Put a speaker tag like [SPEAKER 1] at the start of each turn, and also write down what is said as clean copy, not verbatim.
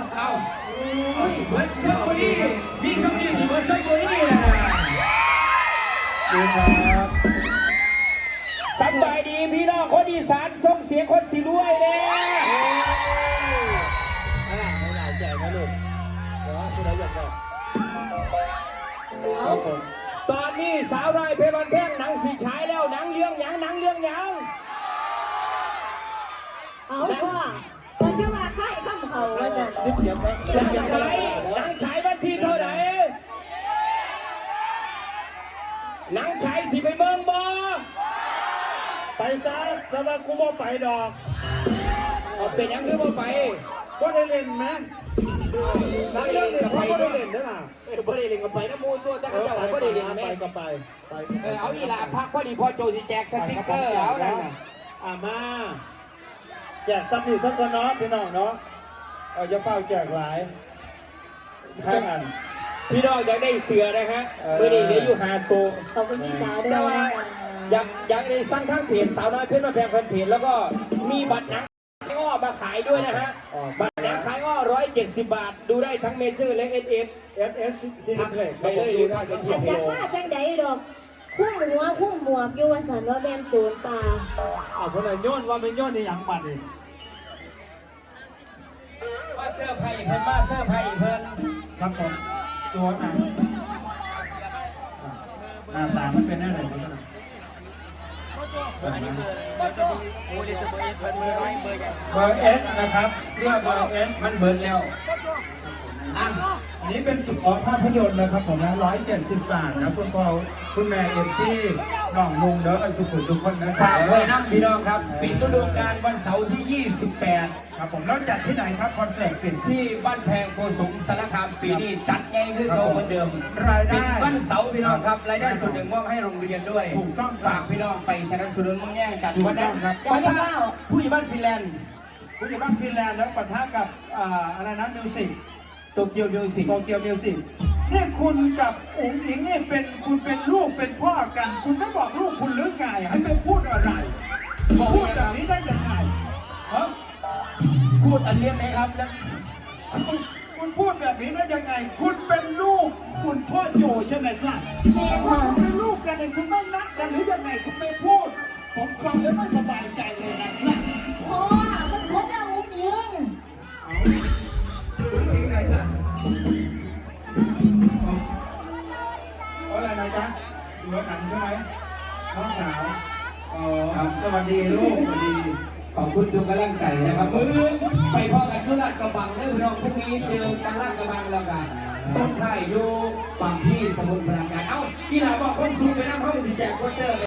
[SPEAKER 1] เอาเหมือนเสื้อคนนี้มีสมดีเหมือนเสื้อคนนี้นะสบายดีพี่น้องคนอีสานส่งเสียงคนสีรวยเลย
[SPEAKER 2] ไม่หลายใจนะลูกเดี๋ยวคุณได้ยังไง
[SPEAKER 1] ตอนนี้สาวน้อยเพลวันแท่งหนังสีฉายแล้วหนังเรื่องหยัง
[SPEAKER 3] เอาพ่อมันจะมาค่ายข้ามเขาว่าจะ
[SPEAKER 1] หนังฉายวันที่เท่าไหร่หนังฉายสิไปเบิ่งบ่
[SPEAKER 2] ไปซะแต่ว่ากูบ่ไปดอก
[SPEAKER 1] เป็นยังคือบ่ไป
[SPEAKER 2] ก็ได้เล่นไหมนักเล่นเนี่ยเขาก็ได้เล่นด้วยล่ะ
[SPEAKER 1] บ่ได้เล่นก็ไปน้ำมูตัวแต่เขาเจ้าบ่ได้เล่นแม่
[SPEAKER 2] ก็ไป
[SPEAKER 1] เอาอีหล่าพักพอดีพอโจสิแจกสติ๊กเกอร์เอานั่นน่ะ
[SPEAKER 2] มาแจกซ้ำอีกสักคนเนาะพี่น้องเนาะจะเฝ้าแจกหลายให้อัน
[SPEAKER 1] พี่น้องอยากได้เสือนะฮะเมื่อนี้เหลืออยู่5ตัว
[SPEAKER 3] ขอบคุณพี่สาวด้วย
[SPEAKER 1] อยากได้สร้างข้างเพจสาวน้อยเพื่อนมาแพงเพจแล้วก็มีบัตรหนังอ้อมาขายด้วยนะฮะบัตรหนังขายอ้อ170 บาทดูได้ทั้งเมเจอร์และ
[SPEAKER 2] SS ซีรีส์เพลย์
[SPEAKER 1] ไปเลยดูได้จะเที่ยว
[SPEAKER 3] จังว่าจังใดดอกคุ้มหัวคุ้มหมวกอยู่ว่าสันว่าแม่นโจรป่า
[SPEAKER 2] เพราะอะไรโยนว่าเป็นโยนในอย่างบัตร
[SPEAKER 1] มาเสื้อไผ่เพิ่นมาเสื้อไผ่เพิ่น
[SPEAKER 2] ครับผมตัวหน้าตามันเป็นอะไรกันนะเบอร์เอสนะครับเสื้อเบอร์เอส
[SPEAKER 1] มันเบิร์นแล้ว
[SPEAKER 2] นี่เป็นจุดออกภาพยนตร์นะครับผมนะ170 บาทนะคุณพ่อคุณแม่เอฟซีน้องลุงเด้อสุขุมสุขคนนะครั
[SPEAKER 1] ฝา
[SPEAKER 2] บ
[SPEAKER 1] กไว้น้ำพี่น้องครับปิดฤดูกาลวันเสาร์ที่28
[SPEAKER 2] ครับผมแล้วจัดที่ไหนครับคอนเสิร์ตปิด
[SPEAKER 1] ที่บ้านแพงโกสุมสารคามปีนี้จัดไงคือเขาเหมือนเดิม
[SPEAKER 2] รายได้
[SPEAKER 1] วันเสาร์พี่น้องครับรายได้ส่วนหนึ่งมอบให้โรงเรียนด้วย
[SPEAKER 2] ถูกต้อง
[SPEAKER 1] ฝากพี่น้องไปสนับสนุนมั่งแย่งกัน
[SPEAKER 2] วันนั้นครับ
[SPEAKER 1] ผู้ใหญ่บ้านฟินแลนด์
[SPEAKER 2] ผู้ใหญ่บ้านฟินแลนด์แล้วปะทะกับอะไรนะมิวสิก
[SPEAKER 1] โตเกียวมิวสิก
[SPEAKER 2] นี่คุณกับอุ๋งอิงนี่คุณเป็นลูกเป็นพ่อกันคุณไม่บอกลูกคุณหรือไงให้ไปพูดอะไรพูดแบบนี้ได้ยังไง
[SPEAKER 1] พูดอันเรียบไหมครับแล้ว
[SPEAKER 2] คุณพูดแบบนี้ได้ยังไงคุณเป็นลูกคุณพ่อโจใช่ไหมครับคุณเป็นลูกกันเลยคุณไม่รักกันหรือยังไงคุณไม่พูดผมฟังแล้วไม่สบายใจเลยนะ
[SPEAKER 3] พ่อมันพบเราอุ้งยิง
[SPEAKER 2] จริงเลยจ้ะอะไรนะจ๊ะดูหนังใช่ไหมน้องสาวสวัสดีลูกสวัสดี
[SPEAKER 1] ขอบคุณทุกกำลังใจนะครับมือไปพ่อกันทุลาดกระบังได้พี่น้องพรุ่งนี้เจอกันลาดกระบังแล้วกันส้นไข่อยู่ฝั่งที่สมุทรปราการเอ้าที่ไหนบอกคนสูงไปนั่งห้องที่แจกโคเตอร์